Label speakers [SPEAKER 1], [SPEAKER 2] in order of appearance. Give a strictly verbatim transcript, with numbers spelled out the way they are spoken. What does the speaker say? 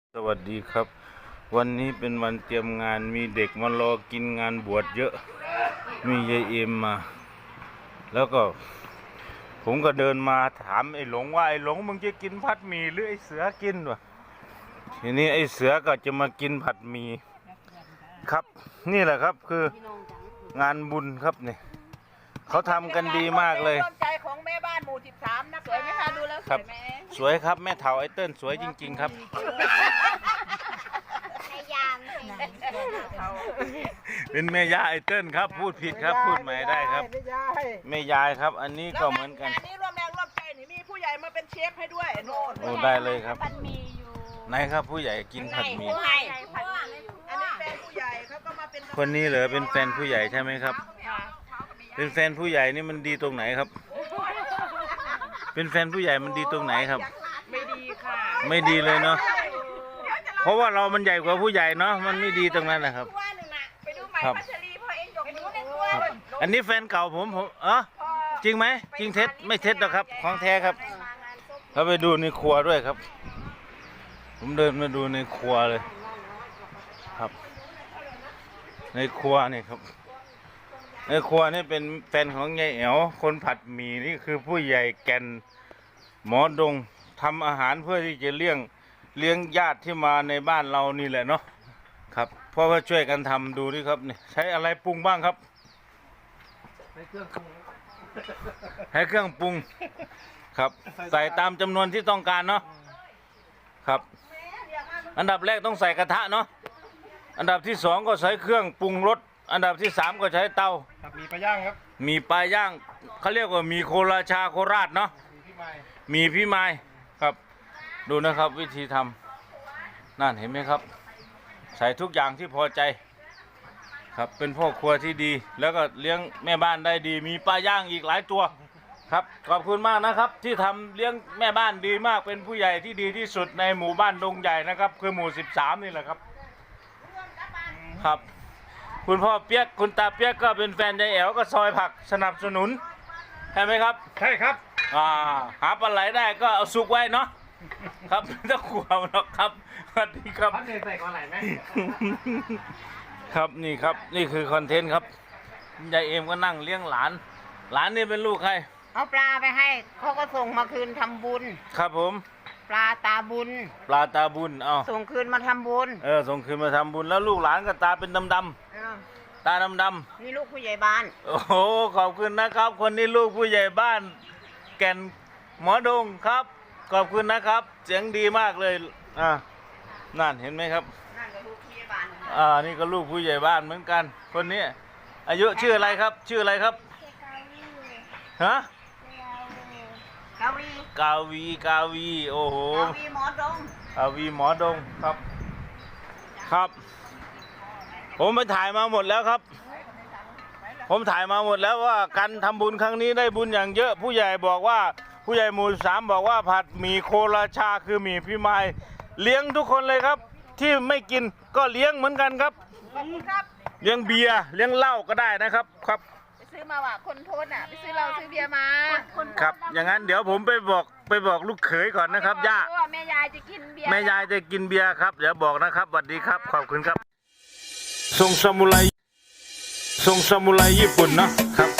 [SPEAKER 1] สวัสดีครับวันนี้เป็นวันเตรียมงานมีเด็กมารอกินงานบวชเยอะมียายเอ็มมาแล้วก็ผมก็เดินมาถามไอ้หลงว่าไอ้หลงมึงจะกินผัดหมี่หรือไอ้เสือกินวะทีนี้ไอ้เสือก็จะมากินผัดหมี่ครับนี่แหละครับคืองานบุญครับนี่เขาทำกันดีมากเลย
[SPEAKER 2] ร่วมใจของแม่บ้านหมู่สิบสามนะสวยไหมคะดูแล้วสวยไหม
[SPEAKER 1] สวยครับแม่เฒ่าไอ้เติ้ลสวยจริงๆครับเป็นแม่ยาไอ้เติ้ลครับพูดผิดครับพูดใหม่ได้ครับแม่ยายครับอันนี้ก็เหมือนกัน
[SPEAKER 2] อันนี้ร่วมแรงร่วมใจนี่มีผู้ใหญ่มาเป็นเชฟให้ด้วยโน่น
[SPEAKER 1] โอ้ได้เลยครับไหนครับผู้ใหญ่กินผัดหมี่
[SPEAKER 2] อันนี้แฟนผู้ใหญ่เขาก็มาเป็น
[SPEAKER 1] คนนี้เหรอเป็นแฟนผู้ใหญ่ใช่ไหมครับเป็นแฟนผู้ใหญ่นี่มันดีตรงไหนครับเป็นแฟนผู้ใหญ่มันดีตรงไหนครับ
[SPEAKER 2] ไม่ดีค่ะ
[SPEAKER 1] ไม่ดีเลยเนาะเพราะว่าเรามันใหญ่กว่าผู้ใหญ่เนาะมันไม่ดีตรงนั้นนะครับครับอันนี้แฟนเก่าผมผมเออจริงไหมจริงเท็จไม่เท็จหรอกครับของแท้ครับเราไปดูในครัวด้วยครับผมเดินมาดูในครัวเลยครับในครัวนี่ครับในครัวนี่เป็นแฟนของยายแอ๋วคนผัดหมี่นี่คือผู้ใหญ่แก่นหมอดงทำอาหารเพื่อที่จะเลี้ยงเลี้ยงญาติที่มาในบ้านเรานี่แหละเนาะครับเพราะว่าช่วยกันทำดูนี่ครับนี่ใช้อะไรปรุงบ้างครับใช้เครื่องปรุงใช้เครื่องปรุงครับใส่ตามจำนวนที่ต้องการเนาะครับอันดับแรกต้องใส่กระทะเนาะอันดับที่สองก็ใช้เครื่องปรุงรสอันดับที่สามก็ใช้เตา
[SPEAKER 3] มีปลาย่างครับ
[SPEAKER 1] มีปลาย่างเขาเรียกว่ามีโคราชาโคราชเนาะมีพี่ไม้ครับดูนะครับวิธีทำนั่นเห็นไหมครับใส่ทุกอย่างที่พอใจครับเป็นพ่อครัวที่ดีแล้วก็เลี้ยงแม่บ้านได้ดีมีปลาย่างอีกหลายตัวครับขอบคุณมากนะครับที่ทำเลี้ยงแม่บ้านดีมากเป็นผู้ใหญ่ที่ดีที่สุดในหมู่บ้านดงใหญ่นะครับคือหมู่สิบสามนี่แหละครับครับคุณพ่อเปียกคุณตาเปียกก็เป็นแฟนยายแอ๋วก็ซอยผักสนับสนุนใช่ไหมครับ
[SPEAKER 3] ใช่ครับ
[SPEAKER 1] อ่าหาปลาไหลได้ก็เอาสุกไว้เนาะครับไม่ต้องกลัวหรอกครับสวัสดีครับ
[SPEAKER 3] พัดใส่ปลาไหลไหม
[SPEAKER 1] ครับนี่ครับนี่คือคอนเทนต์ครับยายเอ็มก็นั่งเลี้ยงหลานหลานนี่เป็นลูกใคร
[SPEAKER 2] เอาปลาไปให้เขาก็ส่งมาคืนทำบุญ
[SPEAKER 1] ครับผม
[SPEAKER 2] ปลาตาบุญ
[SPEAKER 1] ปลาตาบุญเอา
[SPEAKER 2] ส่งคืนมาทำบุญ
[SPEAKER 1] เออส่งคืนมาทำบุญแล้วลูกหลานก็ตาเป็นดำดำตาดำดำ
[SPEAKER 2] นี่ลูกผู้ใหญ่บ้าน
[SPEAKER 1] โอ้โหขอบคุณนะครับคนนี้ลูกผู้ใหญ่บ้านแก่นหมอดงครับขอบคุณนะครับเสียงดีมากเลยอ่านั่นเห็นไหมครับ
[SPEAKER 2] นั่นก็ลูกผู้ใหญ่บ้าน
[SPEAKER 1] อ่านี่ก็ลูกผู้ใหญ่บ้านเหมือนกันคนนี้อายุชื่ออะไรครับชื่ออะไรครับฮะ
[SPEAKER 2] กาวี
[SPEAKER 1] กาวีกาวีโอ้โห
[SPEAKER 2] กาวีหมอดง
[SPEAKER 1] กาวีหมอดงครับครับผมไปถ่ายมาหมดแล้วครับผมถ่ายมาหมดแล้วว่าการทำบุญครั้งนี้ได้บุญอย่างเยอะผู้ใหญ่บอกว่าผู้ใหญ่หมู่สามบอกว่าผัดหมี่โคราชาคือหมี่พี่ไม้เลี้ยงทุกคนเลยครับที่ไม่กินก็เลี้ยงเหมือนกันครับเลี้ยงเบียร์เลี้ยงเหล้าก็ได้นะครับครับ
[SPEAKER 2] ไปซื้อมาว่ะคนโทษน่ะไปซื้อเราซื้อเบียร์มา
[SPEAKER 1] ครับอย่างนั้นเดี๋ยวผมไปบอกไปบอกลูกเขยก่อนนะครับย่า
[SPEAKER 2] แม่ยายจะกินเบียร์
[SPEAKER 1] แม่ยายจะกินเบียร์ครับเดี๋ยวบอกนะครับสวัสดีครับขอบคุณครับทรงซามูไรทรงซามูไรญี่ปุ่นเนาะครับ